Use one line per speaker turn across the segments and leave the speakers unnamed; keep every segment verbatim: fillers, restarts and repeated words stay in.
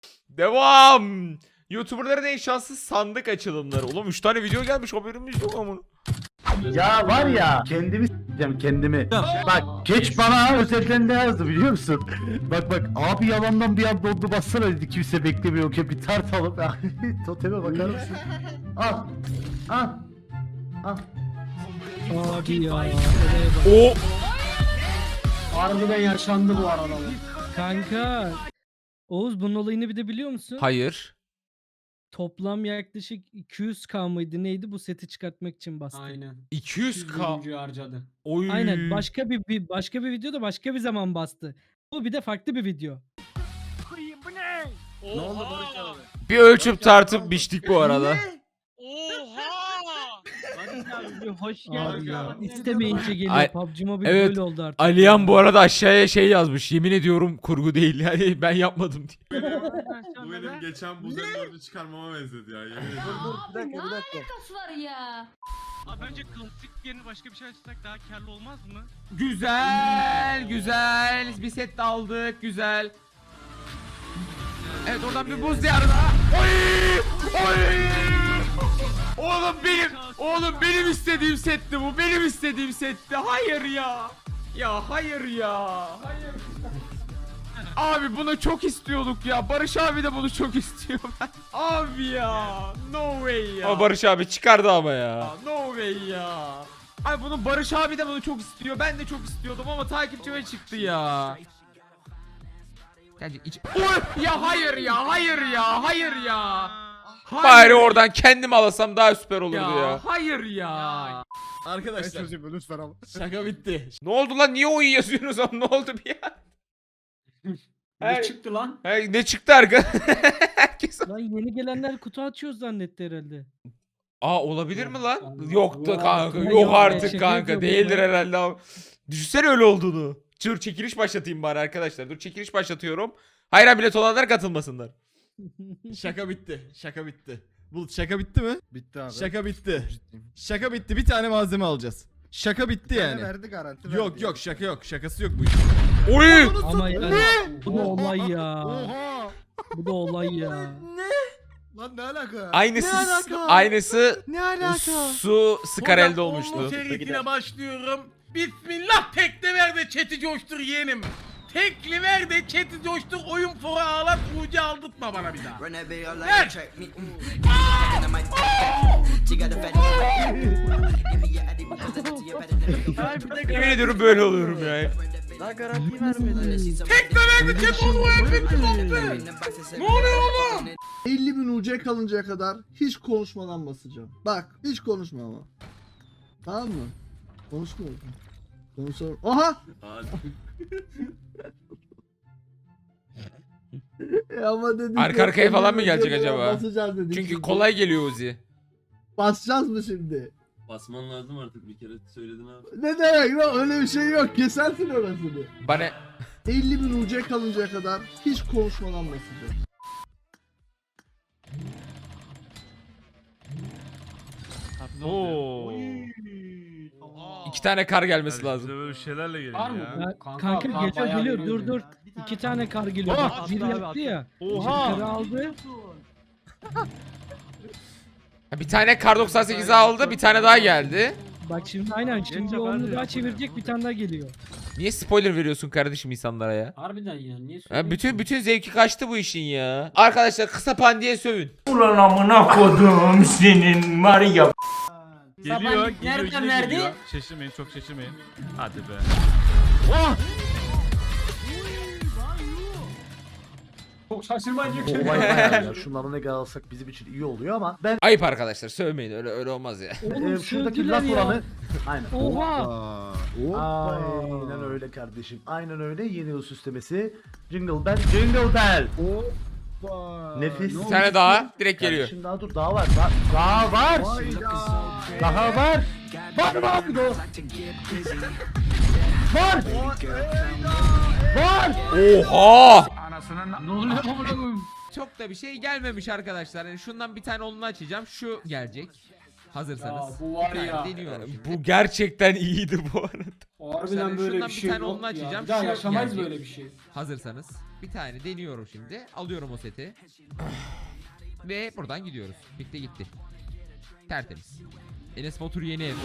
Devam. YouTuber'ların en şanssız sandık açılımları. Oğlum üç tane video gelmiş, haberimiz yok ama.
Ya var ya kendimi s**eceğim kendimi. Bak geç bana özelden ne yazdı biliyor musun? Bak bak abi yalandan bir an dondu bassana dedi, kimse beklemiyorken bir tartalım. Toteme bakar mısın? Al. Al. Al.
Abi ya.
O
Harbiden yaşandı bu arada.
Kanka. Oğuz bunun olayını bir de biliyor musun?
hayır.
Toplam yaklaşık iki yüz K mıydı neydi bu seti çıkartmak için bastı.
Aynen.
iki yüz K.
Oyuncuyu harcadı.
Oy.
Aynen başka bir, bir başka bir videoda başka bir zaman bastı. Bu bir de farklı bir video.
Ne oldu Barış abi?
Bir ölçüp tartıp biçtik bu arada.
Oha!
Barış abi bir hoş
Abi ya.
İstemeyince geliyor.
Ay-
P U B G Mobile
evet,
böyle oldu artık.
Aliyan bu arada aşağıya şey yazmış. Yemin ediyorum kurgu değil. Yani ben yapmadım diye.
Bu benim geçen buzun dördü çıkarmama benzedi ya. Yemin ederim.
Bir dakika bir dakika.
alakası var ya?
Abi bence klasik yerine başka bir şey açsak daha karlı olmaz mı?
Güzel, güzel. Bir set de aldık, güzel. Evet, oradan bir buz diyarı daha. Oy! Oy! Oğlum benim, oğlum benim istediğim setti bu. Benim istediğim setti. Hayır ya. Ya hayır ya. Hayır. Abi bunu çok istiyorduk ya. Barış abi de bunu çok istiyor. Abi ya. No way ya. Ama Barış abi çıkardı ama ya. No way ya. Ay bunu Barış abi de bunu çok istiyor. Ben de çok istiyordum ama takipçime çıktı ya. Bence iç... Oy! Ya hayır ya, hayır ya, hayır ya. Hayır. Bari oradan kendim alasam daha süper olurdu ya. ya. Hayır ya. Arkadaşlar.
lütfen ama.
Şaka bitti. Ne oldu lan? Niye oyun yazıyorsunuz oğlum? Ne oldu bir ya?
Ne
Hey.
çıktı lan?
Hey, ne çıktı arka? Herkes...
Lan yeni gelenler kutu açıyor zannetti herhalde.
Aa olabilir mi lan?
Allah.
Yoktu kanka.
Ya
Yok
yok be,
artık
şaka
kanka.
yapıyorum
Değildir
ya.
herhalde ama. Düşünsene öyle olduğunu. Dur çekiliş başlatayım bari arkadaşlar. Dur çekiliş başlatıyorum. Hayran bilet olanlar katılmasınlar.
Şaka bitti. Şaka bitti. Bulut şaka bitti mi?
Bitti abi.
Şaka bitti. Şaka bitti. Bir tane malzeme alacağız. Şaka bitti yani.
verdi garanti.
Yok yok şaka yok. Şakası yok bu iş.
Oy!
Ama yani bu da olay ya.
Oha.
Bu da olay ya.
Lan ne alaka?
Aynısı
Ne alaka?
aynısı
Ne alaka?
su Skarel'de olmuştu.
Serisine başlıyorum. Bismillah tekli ver de chat'i coştur yeğenim. Tekli ver de chat'i coştur, oyun fora ağlat, ucu aldırtma bana bir daha. Ver!
Yemin ediyorum böyle oluyorum ya.
Daha garanti vermedi. Tekli ver de chat onu efektif oldu. Ne oluyor oğlum?
elli bin U C kalıncaya kadar hiç konuşmadan basacağım. Bak hiç konuşma ama. Tamam mı? Konuşmuyorum. Konuşalım. Aha! E ama dedik
Arka
ya,
arkaya falan mı
elli bin
gelecek
U C
acaba?
basacağız dedik
Çünkü
şimdi.
kolay geliyor Uzi.
Basacağız mı şimdi?
Basman lazım artık, bir kere söyledin abi.
Ne demek lan, öyle bir şey yok. Kesersin orasını.
Bana
elli bin U C kalıncaya kadar hiç konuşmadan basacağım.
Oo. İki tane kar gelmesi lazım.
Böyle şeylerle gelin
Var mı?
Ya,
Kanka,
kanka
kar
geliyor
bayağı
geliyor
veriyor
dur dur.
diyor.
İki tane kar geliyor.
Oha!
Bak, biri yaptı ya.
Oha!
Karı aldı.
Bir tane kar doksan sekizi aldı, bir tane daha geldi.
Bak şimdi aynen şimdi onu daha çevirecek bir tane daha geliyor.
Niye spoiler veriyorsun kardeşim insanlara ya?
Harbiden ya niye
Ya
söylüyorsun?
bütün bütün zevki kaçtı bu işin ya. Arkadaşlar kısa pandiye sövün.
Ulan amına kodum senin var ya.
Geliyor,
Saban
geliyor,
nereden
yine
verdi?
geliyor. Şaşırmayın, çok şaşırmayın. Hadi be.
Çok şaşırmayacak
Bu
şey.
olay bayağı ya. Şunları ne kadar alsak bizim için iyi oluyor ama ben
Ayıp arkadaşlar, sövmeyin, öyle öyle olmaz ya.
Oğlum
e, şuradaki
sövdüler
laf
ya.
oranı aynen.
Oha.
Aynen öyle kardeşim. Aynen öyle. Yeni yıl süslemesi. Jingle bell, jingle bell. Nefis.
Bir tane daha direkt geliyor.
Kardeşim daha dur, daha var. Daha, daha var. Daha var. Var mı abi o? Var. Var.
Oha!
Ne oluyor amına koyayım?
Çok da bir şey gelmemiş arkadaşlar. Yani şundan bir tane onunu açacağım. Şu gelecek. Hazırsanız.
Ya bu var
Bir tane
ya.
deniyorum. Bu gerçekten iyiydi bu arada.
Harbiden
Mesela
böyle
şundan
bir
bir
şey
tane
yok
onunla
ya.
açacağım,
Bir daha
şu
yaşamayız
gelecek.
böyle bir şey.
Hazırsanız bir tane deniyorum şimdi. Alıyorum o seti. Ve buradan gidiyoruz. Bitti gitti. Tertemiz. Enes Batur yeni ev.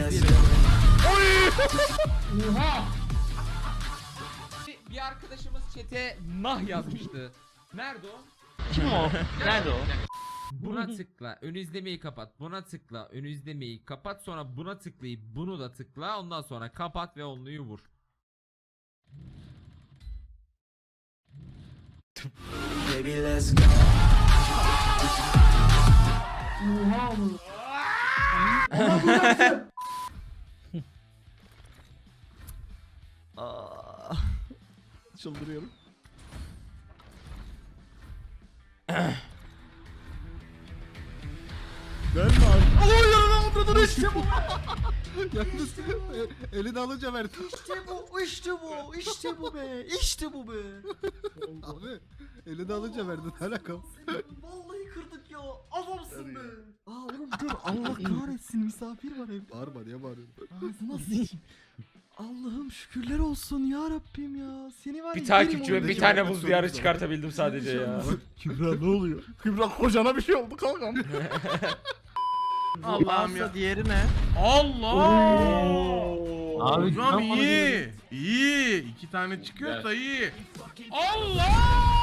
Oha!
Bir arkadaşımız chat'e nah yazmıştı. Nerede o?
Kim o? Nerede o?
Buna tıkla, ön izlemeyi kapat. Buna tıkla, ön izlemeyi kapat. Sonra buna tıklayıp bunu da tıkla. Ondan sonra kapat ve onluyu vur.
Oha mı?
Aa, çıldırıyorum. Ben mi abi? Alo yanına oturdu işte bu. Yalnız e, elini alınca verdi. İşte bu, işte bu, işte bu be, işte bu be. Abi elini alınca verdi ne alakam? Vallahi kırdık ya, adamsın be. Aa oğlum dur Allah kahretsin misafir var ev. Bağırma niye bağırıyorsun? Ağzına sıçayım. Allah'ım şükürler olsun ya Rabbim ya. Seni var
Bir
ya,
takipçime
yerim
bir
oldu.
tane buz diyarı çıkartabildim sadece ya.
Kübra ne oluyor? Kübra kocana bir şey oldu kankam.
Allah'ım ya.
Diğeri ne?
Allah!
Abi
Hocam iyi. İyi. İki tane çıkıyorsa iyi. Allah!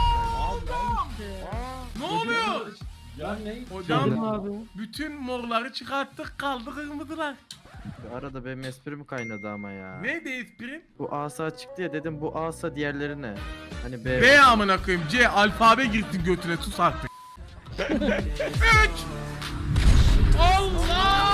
Ne oluyor?
Ya ne?
Hocam bütün morları çıkarttık kaldı kırmızılar.
Arada benim esprim kaynadı ama ya.
Neydi esprin?
Bu asa çıktı ya dedim bu asa diğerleri ne? Hani B.
B amına koyayım. C alfabe girdin götüne sus artık. Üç. Allah!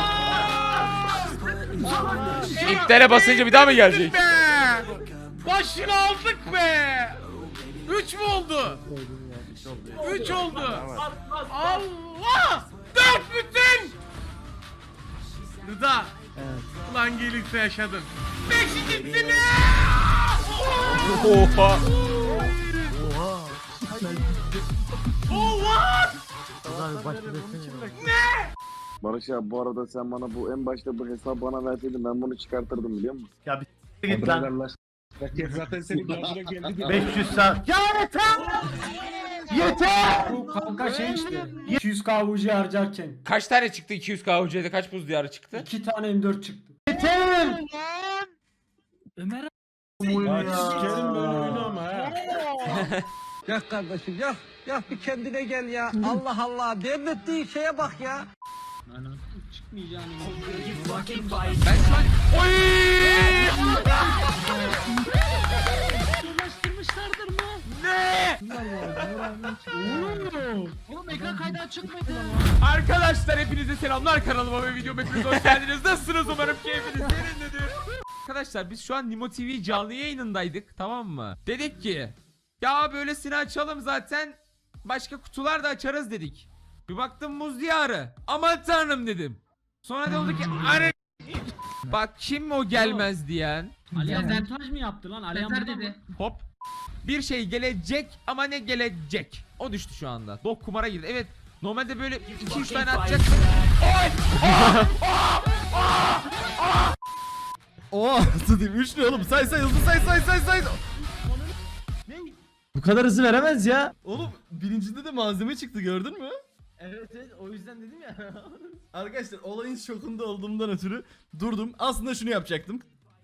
İptale basınca bir daha mı gelecek?
Be! Başını aldık be! Üç mü oldu? Üç oldu. Allah! Dört bütün! Rıda. Ulan gelirse yaşadın. Beşincisini!
Oha.
Oha!
Barış abi bu arada sen bana bu en başta bu hesabı bana verseydin ben bunu çıkartırdım biliyor musun?
Ya bir git lan.
Zaten senin başına geldi.
beş yüz saat. Ya yeter! Yeter!
Bu kanka şey işte. iki yüz K U C harcarken
Kaç tane çıktı iki yüz K U C'de kaç buz diyarı çıktı?
iki tane M dört çıktı.
Yeter!
Ömer
Ya sikerim böyle oyunu ama ha.
Ya kardeşim ya. Ya bir kendine gel ya. Allah Allah. Devrettiğin şeye bak ya.
çıkmayacağını.
Ben şu an... Oy!
Ulaştırmışlardır mı?
Ne?
Oğlum ekran kaydı çıkmadı.
Arkadaşlar hepinize selamlar, kanalıma ve videoma hepiniz hoş geldiniz. Nasılsınız, umarım keyfiniz yerindedir. Arkadaşlar biz şu an Nimo T V canlı yayınındaydık, tamam mı? Dedik ki ya böylesini açalım zaten, başka kutular da açarız dedik. Bir baktım muz diyarı, aman tanrım dedim. Sonra da oldu ki ara... Bak kim o gelmez diyen.
Aliyan montaj mı yaptı lan? Aliyan dedi.
Hop. Bir şey gelecek ama ne gelecek? O düştü şu anda. Dok kumara girdi. Evet. Normalde böyle iki üç tane atacak. Oy!
Oha nasıl diyeyim? Üç ne oğlum? Say say hızlı say say say say.
Bu kadar hızlı veremez ya.
Oğlum birincide de malzeme çıktı gördün mü?
Evet evet o yüzden dedim ya.
Arkadaşlar olayın şokunda olduğumdan ötürü durdum. Aslında şunu yapacaktım.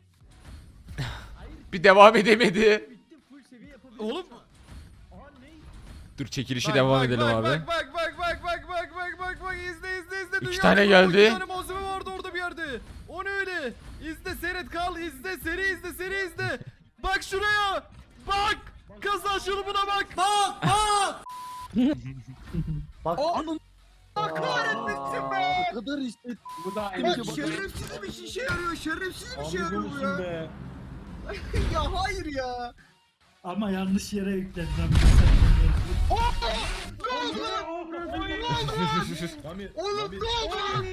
Bir devam edemedi.
Oğlum
Dur çekilişi
bak,
devam
bak,
edelim
bak,
abi.
Bak bak bak bak bak bak bak bak bak izle izle izle.
İki
Dünya
tane
rekoru,
geldi.
İki tane malzeme vardı orada bir yerde. O ne öyle? İzle seyret kal izle seri izle seri izle. Bak şuraya. Bak. Kazan şunu buna bak. Bak bak.
Bak.
Allah kahretmesin be.
O kadar işte.
Bu da aynı şey.
Şerefsiz bir işe yarıyor. Şerefsiz bir şey yarıyor bu ya.
Be.
Ya hayır ya.
Ama yanlış yere yükledim.
Oğlum ne oldu lan?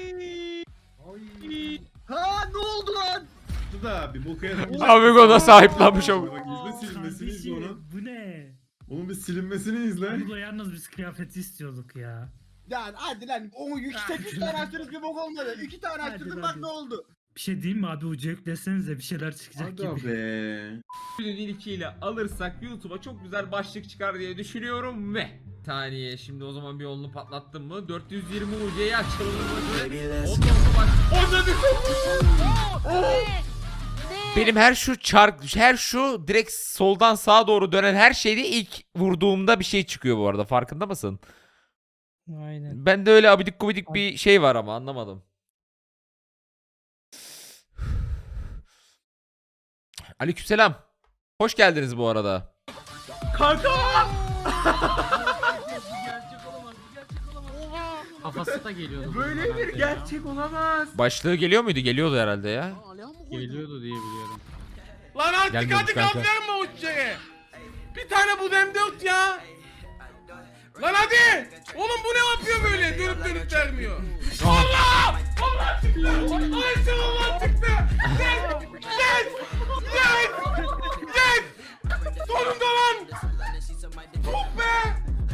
Ha ne oldu lan?
Da bir boku yaramış.
Amigo da sahiplenmiş o.
Bak izle silinmesini izle onun.
Bu ne?
Onun bir silinmesini izle.
Burada yalnız biz kıyafeti istiyorduk ya.
Yani hadi lan o yüksek üç tane açtınız bir bok olmadı. İki tane
Hadi
açtınız
hadi.
bak ne oldu.
Bir şey diyeyim mi abi, ucu yüklesenize bir şeyler çıkacak
Aga be.
Günün ilkiyle alırsak YouTube'a çok güzel başlık çıkar diye düşünüyorum ve saniye şimdi o zaman bir yolunu patlattım mı dört yüz yirmi U C'yi açalım. Benim her şu çark her şu direkt soldan sağa doğru dönen her şeyde ilk vurduğumda bir şey çıkıyor bu arada, farkında mısın?
Aynen.
Ben de öyle abidik gubidik bir şey var ama anlamadım. Aleykümselam. Hoş geldiniz bu arada. Kanka!
Kafası da geliyordu.
Böyle bir gerçek olamaz. Başlığı geliyor muydu? Geliyordu herhalde ya.
Geliyordu diye biliyorum.
Lan artık
Gelmiyormuş
hadi gaz
kanka.
verme o şeye. Bir tane bu M dört ya. Lan hadi. Oğlum bu ne yapıyor böyle? Dönüp dönüp vermiyor. Allah! Allah çıktı. Ayşe Allah çıktı. Yes! Yes! Yes! Yes! Sonunda lan. Tuh be.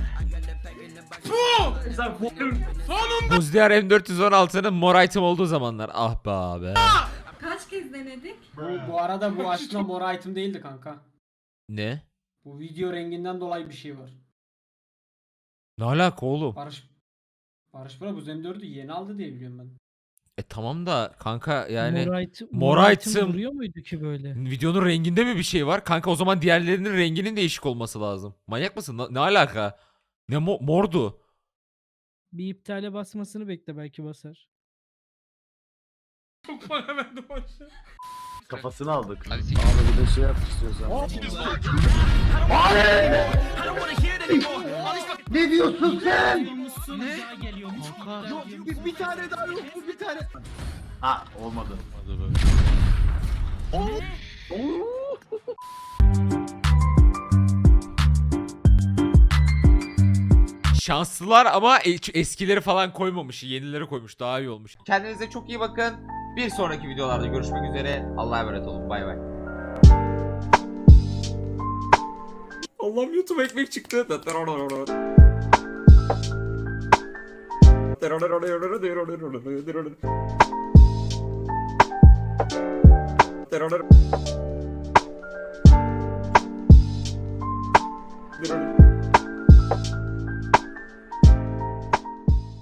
Tuh. Sonunda.
Buzdiğer M dört yüz on altının mor item olduğu zamanlar. Ah be abi.
Kaç kez denedik?
Bu, bu arada bu aslında mor item değildi kanka.
Ne?
Bu video renginden dolayı bir şey var.
Ne alaka oğlum?
Barış Barış Bro bu M dördü yeni aldı diye biliyorum ben.
E tamam da kanka yani
mor item,
mor
mor
item-
item vuruyor muydu ki böyle?
videonun renginde mi bir şey var? Kanka o zaman diğerlerinin renginin değişik olması lazım. Manyak mısın? Ne, ne alaka? Ne mo- mordu?
Bir iptale basmasını bekle, belki basar.
Çok para verdim aşağı.
Kafasını aldık.
Abi bir de şey yap istiyorsan.
Ne diyorsun sen?
Bir, bir tane daha yok mu bir tane?
Ha olmadı.
Şanslılar ama e- eskileri falan koymamış. Yenileri koymuş. Daha iyi olmuş. Kendinize çok iyi bakın. Bir sonraki videolarda görüşmek üzere. Allah'a emanet olun. Bay bay. Allah'ım YouTube ekmek çıktı. Terör.